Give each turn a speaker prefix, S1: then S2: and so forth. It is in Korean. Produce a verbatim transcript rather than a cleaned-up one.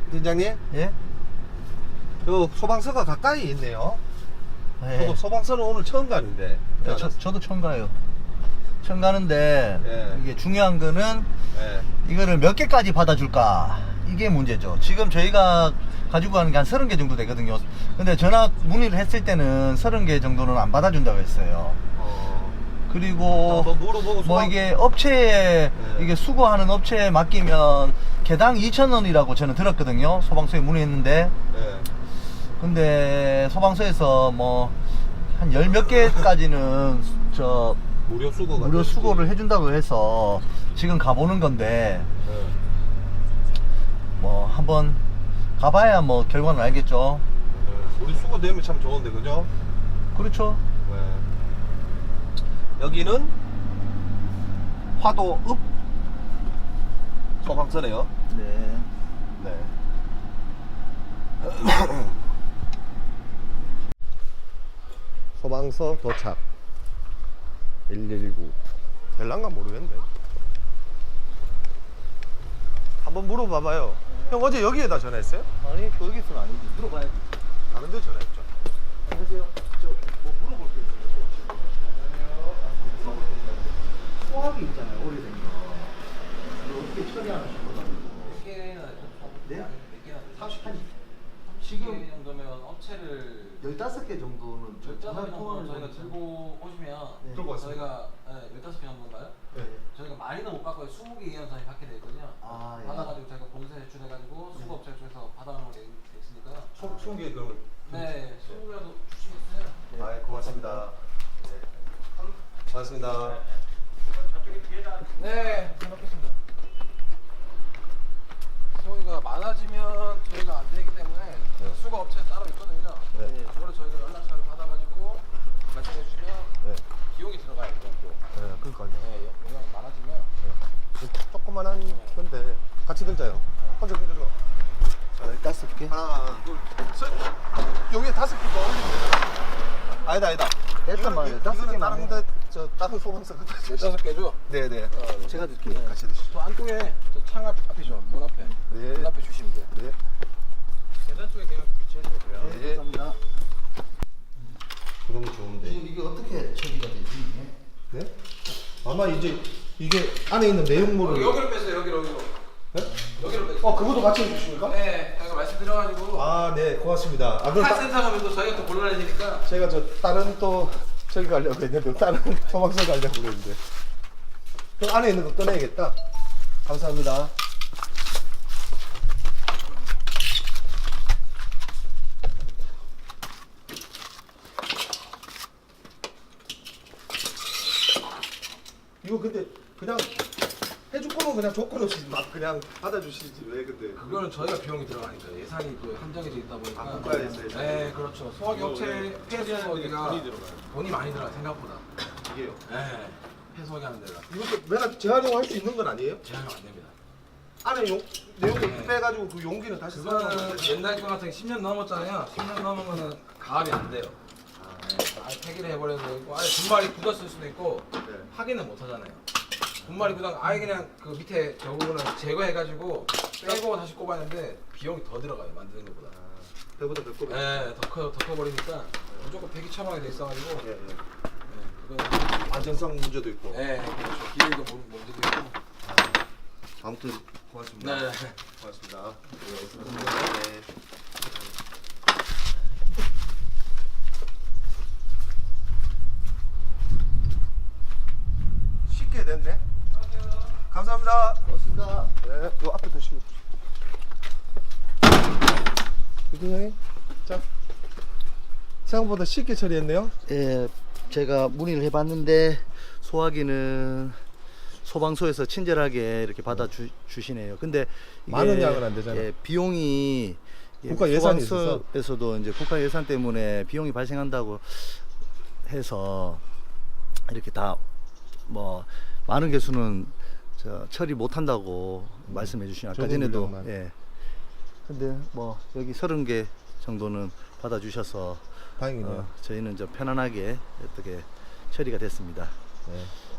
S1: 팀장님,
S2: 예?
S1: 요 소방서가 가까이 있네요.
S2: 예.
S1: 저도 소방서는 오늘 처음 가는데.
S2: 네, 저, 저도 처음 가요. 처음 가는데
S1: 예.
S2: 이게 중요한 거는
S1: 네.
S2: 이거를 몇 개까지 받아줄까 이게 문제죠. 지금 저희가 가지고 가는 게 한 서른 개 정도 되거든요. 근데 전화 문의를 했을 때는 서른 개 정도는 안 받아준다고 했어요.
S1: 어,
S2: 그리고
S1: 한번 물어보고
S2: 뭐
S1: 소방-
S2: 이게 업체에
S1: 네.
S2: 이게 수거하는 업체에 맡기면 개당 이천 원이라고 저는 들었거든요. 소방서에 문의했는데
S1: 네.
S2: 근데 소방서에서 뭐 한 열 몇 개까지는 저
S1: 무료 수거가
S2: 무료
S1: 되지.
S2: 수거를 해준다고 해서 지금 가보는 건데
S1: 네.
S2: 뭐 한번 가봐야 뭐 결과는 알겠죠.
S1: 네. 우리 수거 되면 참 좋은데, 그죠?
S2: 그렇죠.
S1: 네. 여기는 화도읍 소방서네요.
S2: 네.
S1: 네. 소방서 도착. 일일구. 될란가 모르겠네. 한번 물어봐봐요. 형 어제 여기에다 전화했어요?
S2: 아니 거기서는 아니지. 물어봐야지.
S1: 다른 데 전화했죠.
S2: 안녕하세요. 저뭐 물어볼 게 있어요. 물어볼 게 있어요. 소화기 있잖아요. 오래된 거. 이거 어떻게 처리하나 싶어가지고.
S3: 몇 개나
S2: 네?
S3: 몇 개나
S2: 삼십 한
S3: 지금
S2: 지금
S3: 정도면 업체를
S2: 열다섯 개 정도는 저
S3: 열다섯
S2: 전화
S3: 개
S2: 통화를
S3: 정도 저희가
S2: 좀-
S3: 들고 오시면
S2: 네.
S1: 들고 왔습니다.
S3: 저희가 네, 열다섯 개 정도인가요?
S1: 네.
S3: 저희가 많이는 못 받고요. 스무 개 이하는 저희 받게 돼 있거든요.
S2: 아, 예.
S3: 받아가지고 저희가 본사에 제출해가지고
S2: 네.
S3: 수거업체 쪽에서 받아가는 거 돼 있으니까
S1: 총계 그러면.
S3: 네, 스무 개라도 주시겠어요?
S2: 네.
S1: 아, 고맙습니다. 네. 고맙습니다.
S3: 네, 잘 먹겠습니다. 저희가 많아지면 저희가 안 되기 때문에
S1: 네.
S3: 수거업체 따로 있거든요.
S1: 네.
S3: 그거를 저희가 연락처를 받아가지고 말씀해 주시면
S1: 네.
S3: 비용이 들어가요. 또.
S1: 네, 그러니까요.
S3: 네, 용량이 많아지면
S1: 조그만한 건데 같이 들자요. 혼자 들어.
S2: 열다섯 개?
S1: 하나, 둘, 셋. 여기에 다섯 개가 올리면 되잖아. 아니다, 아니다.
S2: 일단 말이에요.
S1: 이거는
S2: 다섯 개만
S1: 다른 데, 저 다른 소방서 갖다 주시죠.
S3: 열다섯 개죠?
S1: 네네.
S2: 제가 드릴게요.
S1: 같이 드시죠.
S3: 저 안쪽에 저 창 앞, 앞이죠. 문 앞에.
S1: 네.
S3: 문 앞에 주시면 돼요.
S1: 네.
S3: 계단 쪽에 그냥 비치해주면 돼요.
S1: 네.
S2: 감사합니다.
S1: 그러면 좋은데.
S2: 지금 이게 어떻게 처리가 되지? 이게?
S1: 네? 아마 이제 이게 안에 있는 내용물을.
S3: 여기로 뺐어요. 여기로 여기로.
S1: 네?
S3: 여기로 뺐어요.
S1: 어, 그것도 같이 해주십니까?
S3: 네, 저희가 말씀드려가지고
S1: 아, 네, 고맙습니다. 아, 그럼 따,
S3: 카센터 가면 또 저희가 또 곤란해지니까.
S1: 제가 저 다른 또 저기 가려고 했는데 다른 소방서 가려고 했는데. 그럼 안에 있는 거 꺼내야겠다. 감사합니다. 이거 근데 그냥 해줄 거면 그냥 조건 없이 막 그냥 받아주시지 왜 근데
S3: 그거는 저희가 비용이 들어가니까 예산이 또 한정해져 있다 보니까.
S1: 아, 국가에서 예산이.
S3: 네, 그렇죠. 소화기 업체 폐수거기가 돈이 많이 들어가요. 생각보다.
S1: 이게요.
S3: 네, 폐수거기 하는 데가
S1: 이것도 내가 재활용할 수 있는 건 아니에요?
S3: 제한이 안 됩니다.
S1: 안에 용, 내용을
S3: 네.
S1: 빼가지고 그 용기는 다시
S3: 그거는
S1: 써가지고
S3: 옛날 거 같은 게 십 년 넘었잖아요. 십 년 넘은 거는 가압이 안 돼요. 네, 아예 폐기를 해버리는 거 있고, 아예 분말이 굳었을 수도 있고,
S1: 네.
S3: 확인은 못 하잖아요. 분말이 굳어 아예 그냥 그 밑에 저 부분을 제거해가지고 빼고 다시 꼽았는데 비용이 더 들어가요. 만드는 것보다.
S1: 배보다 몇 배.
S3: 네, 더 커, 더 커버리니까 무조건 폐기 처방이 돼 있어가지고,
S1: 예, 예.
S3: 네, 그거는
S1: 안전성 문제도 있고.
S3: 네, 그렇죠. 기회도 문- 문제도 있고.
S1: 아무튼 고맙습니다.
S3: 네.
S1: 고맙습니다.
S3: 네.
S1: 네. 쉽게 됐네. 감사합니다.
S2: 고맙습니다.
S1: 네, 요 앞에 드시고. 대통령님, 자 생각보다 쉽게 처리했네요.
S2: 예, 제가 문의를 해봤는데 소화기는 소방서에서 친절하게 이렇게 받아 주, 주시네요. 근데 이게,
S1: 많은 양은 안 되잖아요.
S2: 예, 비용이 예,
S1: 국가 예산이 있어서.
S2: 소방서에서도 이제 국가 예산 때문에 비용이 발생한다고 해서 이렇게 다 뭐 많은 개수는 저 처리 못 한다고 말씀해 주시니 아까
S1: 적은
S2: 전에도
S1: 물량만.
S2: 예. 근데 뭐 여기 서른 개 정도는 받아 주셔서
S1: 다행이네요.
S2: 어, 저희는 저 편안하게 어떻게 처리가 됐습니다.
S1: 네.